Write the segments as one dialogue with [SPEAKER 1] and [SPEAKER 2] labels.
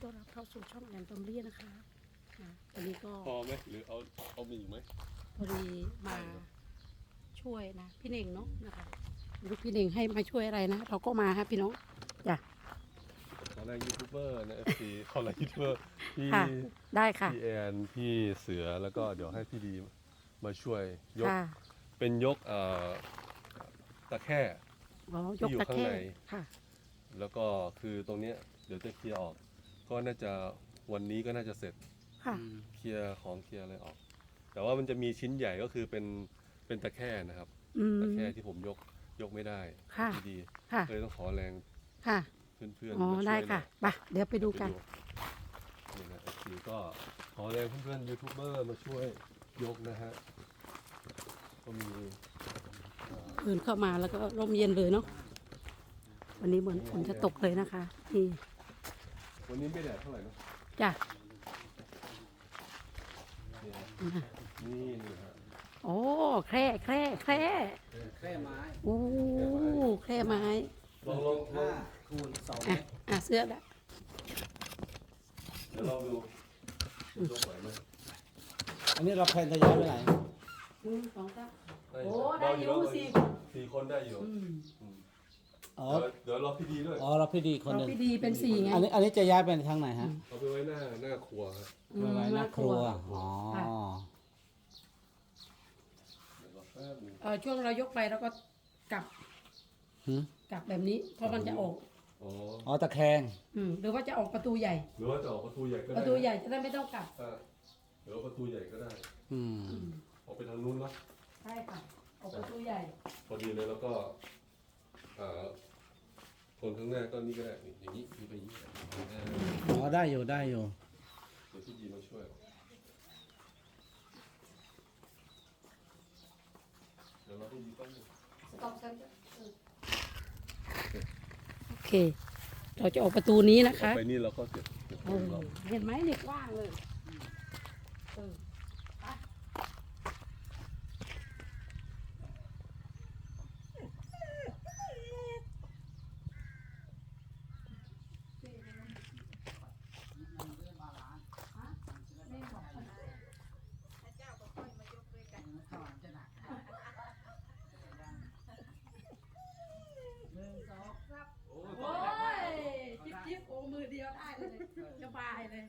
[SPEAKER 1] ต้อนรับเข้าสู่ช่องแอนตอมเลียนะคะวันนี้ก็
[SPEAKER 2] พอไหมหรือเอามีอีกไหม
[SPEAKER 1] พอดีมาช่วยนะพี่เน่งเนาะนะคะลูกพี่เน่งให้มาช่วยอะไรนะเราก็มาครับพี่น้องจ้ะ
[SPEAKER 2] ขอแรงยูทูบเบอร์นะFC ขอแรงยูทูบเบอร์พี่
[SPEAKER 1] ได้ค่ะ
[SPEAKER 2] พี่แอนพี่เสือแล้วก็เดี๋ยวให้พี่ดีมาช่วยยกเป็นยกตะแคร่ที่อยู่ข้างในแล้วก็คือตรงเนี้ยเดี๋ยวจะเคลียร์ออกก็น่าจะวันนี้ก็น่าจะเสร็จเคลียร์ของเคลียร์อะไรออกแต่ว่ามันจะมีชิ้นใหญ่ก็คือเป็นตะแคร่นะครับตะแคร่ที่ผมยกไม่ได้พี่ดีเลยต้องขอแรงเพื่อนๆมาช่วยได้ค่ะ
[SPEAKER 1] ไปเดี๋ยวไปดูกัน
[SPEAKER 2] นี่นะทีก็ขอแรงเพื่อนๆยูทูบเบอร์มาช่วยยกนะฮะก็มี
[SPEAKER 1] อื่นเข้ามาแล้วก็ร่มเย็นเลยเนาะวันนี้เหมือนฝนจะตกเลยนะคะนี่
[SPEAKER 2] วันนี้ไม่แดดเท่าไหร่เนาะ
[SPEAKER 1] จ้ะ
[SPEAKER 2] นี่ฮะ
[SPEAKER 1] โอ้แคร่
[SPEAKER 3] ไม้
[SPEAKER 1] โอ้แคร่ไม้
[SPEAKER 2] ลอง
[SPEAKER 3] คูณ2
[SPEAKER 1] เสื้อละ
[SPEAKER 2] เดี๋ยวลองดูยกไหวไหม
[SPEAKER 3] อันนี้เราแพนทะยานไปไหน
[SPEAKER 1] โอ้ได้อยู่
[SPEAKER 2] 4 คนได้อยู่เดี๋ยวรอพี่ดีด้วย
[SPEAKER 3] เราพี่ดีคนหนึ่ง
[SPEAKER 1] พี่ดีเป็น4ไง
[SPEAKER 3] อันนี้จะย้ายไปทางไหนฮะ
[SPEAKER 2] เอาไปไว้หน้าครัวครับ
[SPEAKER 3] ไปไว้หน้าครัว
[SPEAKER 1] ช่วงเรายกไปแล้วก็กลับแบบนี้เพราะมันจะออก
[SPEAKER 3] ตะแคง
[SPEAKER 1] หรือว่าจะออกประตูใหญ่
[SPEAKER 2] หรือว่าจะออกประตูใหญ่ก็ได้
[SPEAKER 1] ประตูใหญ่จะได้ไม่ต้องกลับ
[SPEAKER 2] หรือประตูใหญ่ก็ได้ออกไปทางนู้นเนาะ
[SPEAKER 1] ใช่ค่ะออกประตูใหญ่
[SPEAKER 2] พอดีเลยแล้วก็คนข้างหน้าก็นี่ก็ได้อย่างนี้มีไปอย่างนี้
[SPEAKER 3] ได้อยู่
[SPEAKER 2] เดี๋ยวพี่ดีมาช่วยเดี๋ยวเราพี่ดีต้อง
[SPEAKER 1] โอเคเราจะออกประตูนี้นะคะ
[SPEAKER 2] ไปนี่เราก็เก็บ
[SPEAKER 1] เห็นไหมเด็กว่างเลยจิ๊บโอ้มือเดียวได้เลยสบายเลย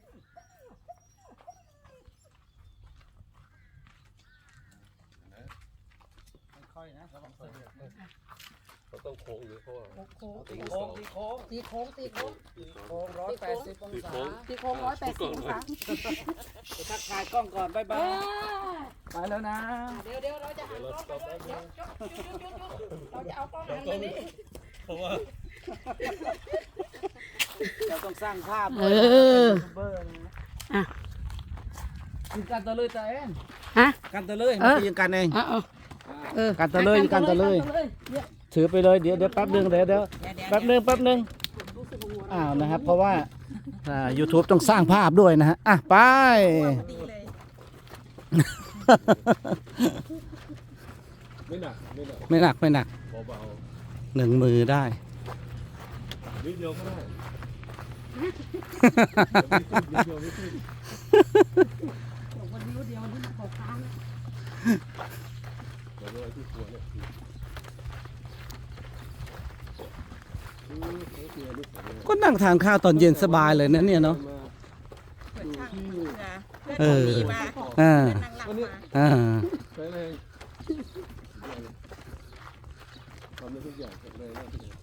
[SPEAKER 3] ค่อยนะระวังเสือ
[SPEAKER 2] เราต้องโค้งหรือเพราะว่า
[SPEAKER 3] ตีโค้ง180 องศา
[SPEAKER 1] ตีโค้ง180 องศา
[SPEAKER 3] ไปทักทายกล้องก่อนบ๊ายบายไปแล้วนะ
[SPEAKER 1] เดี๋ยวเราจะหันกล้องไปเลยเดี๋ยวเราจะเอากล้องหันไปนี่
[SPEAKER 2] เพราะว่า
[SPEAKER 3] เราต้องสร้างภาพกินกันตะเลยตัวเองกันตะเลยกินกันเองกันตะเลยถือไปเลยเดี๋ยวแป๊บนึงเดี๋ยวแป๊บนึงนะครับเพราะว่าYouTube ต้องสร้างภาพด้วยนะฮะไป
[SPEAKER 2] ไม่หนัก
[SPEAKER 3] เบาๆ1 มือได้
[SPEAKER 2] นิดเดียวก็ได้
[SPEAKER 1] วันนี้เดียวนี่มันขอค้าง
[SPEAKER 3] ก็นั่งทานข้าวตอนเย็นสบายเลยนะเนี่ยเนาะ
[SPEAKER 2] ใช้แรงทำได้ทุกอย่างแรงมากเลย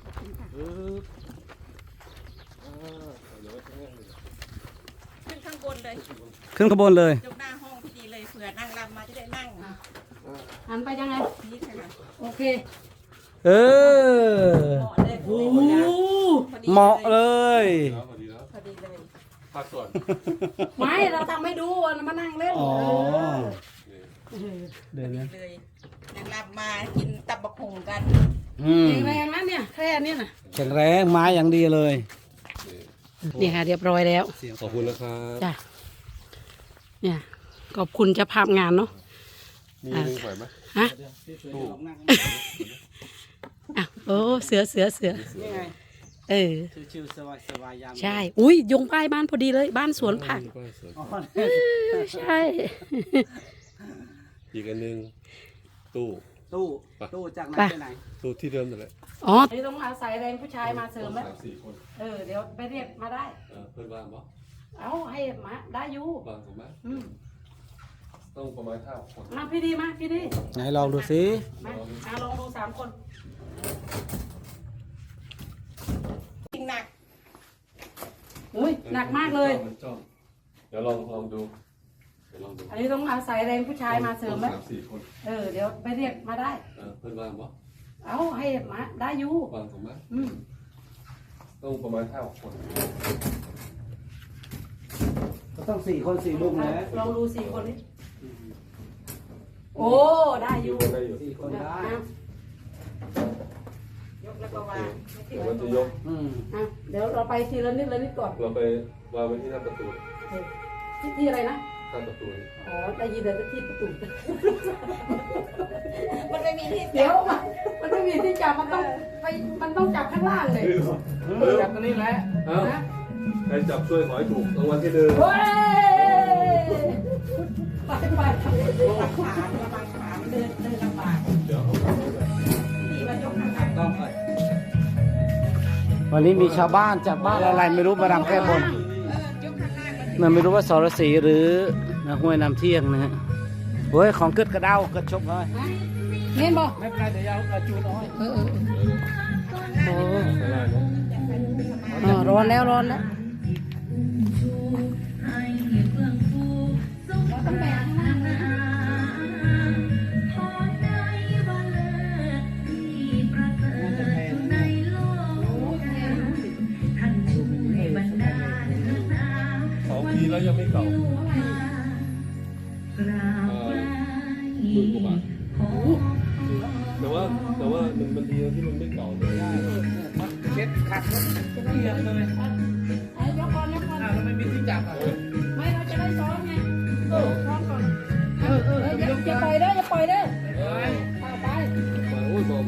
[SPEAKER 4] ขึ้นข้างบนเลย
[SPEAKER 3] ขึ้นข้างบนเลย
[SPEAKER 4] ยกหน้าห้องพี่ดีเลยเผื่อนางรำมาจะได้นั่ง
[SPEAKER 1] หันไปยังไง
[SPEAKER 4] นี่ค่ะ
[SPEAKER 1] โอเค
[SPEAKER 3] เหมาะเลย
[SPEAKER 4] พอดีเลย
[SPEAKER 2] พักก่อน
[SPEAKER 1] ไม่เราทำให้ดูมานั่งเล่น
[SPEAKER 3] เดี๋ยวนะ
[SPEAKER 4] เลยนางรำมากินตับบักหุ่งกัน
[SPEAKER 1] แข็งแรงนะเนี่ยแค่นี้นะ
[SPEAKER 3] แข็งแรงไม้อย่างดีเลย
[SPEAKER 1] นี่ค่ะเรียบร้อยแล้ว
[SPEAKER 2] ขอบคุณนะครับ
[SPEAKER 1] จ้ะเนี่ยขอบคุณเจ้าภาพงานเนาะ
[SPEAKER 2] มีนึงไหวไหม
[SPEAKER 1] โอ้เสือ
[SPEAKER 3] ชิวๆสบายๆยาม
[SPEAKER 1] ใช่ อุ้ยยงป้ายบ้านพอดีเลย บ้านสวนผัก
[SPEAKER 3] อ๋อ
[SPEAKER 1] ใช่
[SPEAKER 2] อีกอันหนึงตู้
[SPEAKER 3] ตู้จากไหนไปไหน
[SPEAKER 2] ตู้ที่เดิมนั่นแหละ
[SPEAKER 1] อ๋อนี่ต้องอาศัยแรงผู้ชายมาเสริมแล้ว
[SPEAKER 2] 3-4 คน
[SPEAKER 1] เดี๋ยวไปเรียกมาได้
[SPEAKER 2] เพื่อนว่างปะ
[SPEAKER 1] เอาให้มาได้อยู่
[SPEAKER 2] ว่างถูกไหม
[SPEAKER 1] อืม
[SPEAKER 2] ต้องประมาณ5 คน
[SPEAKER 1] มาพี่ดีมาพี่ดี
[SPEAKER 3] ไหนลองดูสิ
[SPEAKER 1] มาลองดู3 คน
[SPEAKER 4] จริงหนัก
[SPEAKER 1] อุ้ยหนักมากเลย
[SPEAKER 2] มันจ้องเดี๋ยวลองดูเดี๋ยวลองดู
[SPEAKER 1] อันนี้ต้องอาศัยแรงผู้ชายมาเสริมแล้ว
[SPEAKER 2] 3-4 คน
[SPEAKER 1] เดี๋ยวไปเรียกมาได้
[SPEAKER 2] เพื่อนว่างปะ
[SPEAKER 1] เอาให้มาได้อยู่
[SPEAKER 2] ว่างถูกไหม
[SPEAKER 1] อืม
[SPEAKER 2] ต้องประมาณ5 คน
[SPEAKER 3] ก็ต้อง4 คน4 ลูกนะ
[SPEAKER 1] ลองดู4 คนนี้โอ้ได้อยู่
[SPEAKER 2] ได้อยู่
[SPEAKER 3] 4 คนได้
[SPEAKER 4] ยกแล้วก็วาง
[SPEAKER 2] เดี๋ยวมันจะยก
[SPEAKER 1] เดี๋ยวเราไปทีละนิดก่อน
[SPEAKER 2] เราไปวางไว้ที่หน้าประตู
[SPEAKER 1] ที่อะไรนะ
[SPEAKER 2] หน้าประตูนี่
[SPEAKER 1] อ๋อได้ยินแต่ที่ประตู
[SPEAKER 4] มันไม่มีที่
[SPEAKER 1] เดี๋ยวมันไม่มีที่จับมันต้องจับข้างล่างเลย
[SPEAKER 3] จับตัวนี้แหละ
[SPEAKER 2] เอ้าใครจับช่วยขอให้ถูกรางวัลที่หนึ่ง
[SPEAKER 1] เฮ้ยไป
[SPEAKER 4] ระวังขาเดินลำบาก
[SPEAKER 2] เดี๋ยวเอาไปเลย
[SPEAKER 4] พี่มายกข้าง
[SPEAKER 3] ต้องไปวันนี้มีชาวบ้านจากบ้านอะไรไม่รู้มารำแก้บน
[SPEAKER 4] ยกข้างล่างมัน
[SPEAKER 3] มันไม่รู้ว่าสรศรีหรือห้วยน้ำเที่ยงนะฮะเฮ้ยของเกิดกระเด้าเกิดชกเลย
[SPEAKER 1] เห็นบ่
[SPEAKER 3] ไม่เป็นไรเดี๋ยวเอาจูนเอาให้
[SPEAKER 1] โอ้
[SPEAKER 2] ไม่ได้เนอะ
[SPEAKER 1] ร้อนแล้ว
[SPEAKER 2] 2 ปีแล้วยังไม่เก่า10,000 กว่าบาทแต่ว่ามันดีนะที่มันไม่เก่าเลย
[SPEAKER 3] เช็ดขัดเกียร์เลย
[SPEAKER 1] ยกก่อน
[SPEAKER 3] เราไม่มีที่จับอ่ะ
[SPEAKER 1] ไม่เราจะได้ซ้อนไงซ้อนก่อนอย่าปล่อยเด้อไป
[SPEAKER 2] มาโอ้ยบอก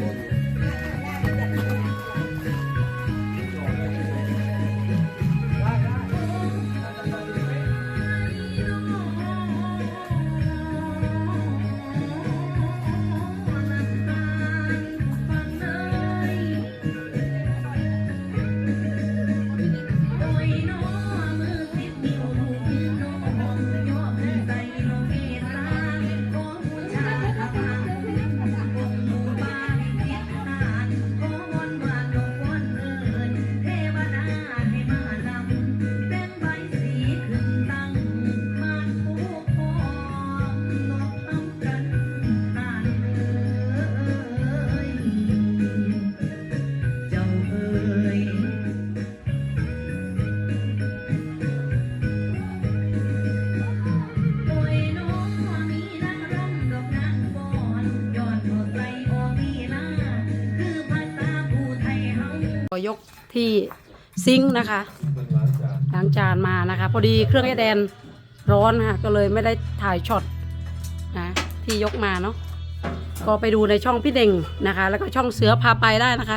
[SPEAKER 1] ยกที่ซิงค์นะคะ
[SPEAKER 2] เป็นร้านจาน
[SPEAKER 1] ล้างจานมานะคะ พอดีเครื่องไอแดนร้อนนะคะก็เลยไม่ได้ถ่ายช็อตนะที่ยกมาเนาะก็ไปดูในช่องพี่เด่งนะคะ แล้วก็ช่องเสือพาไปได้นะคะ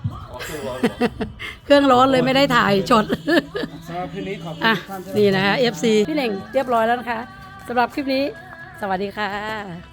[SPEAKER 1] เครื่องร้อนเลยไม่ได้ถ่ายช็อต
[SPEAKER 3] สำหรับคืนนี้ขอบคุณ
[SPEAKER 1] อ่ะ
[SPEAKER 3] ทุกท่าน
[SPEAKER 1] นี่นะคะ FC พี่เด่งเรียบร้อยแล้วนะคะสำหรับคลิปนี้ สวัสดีค่ะ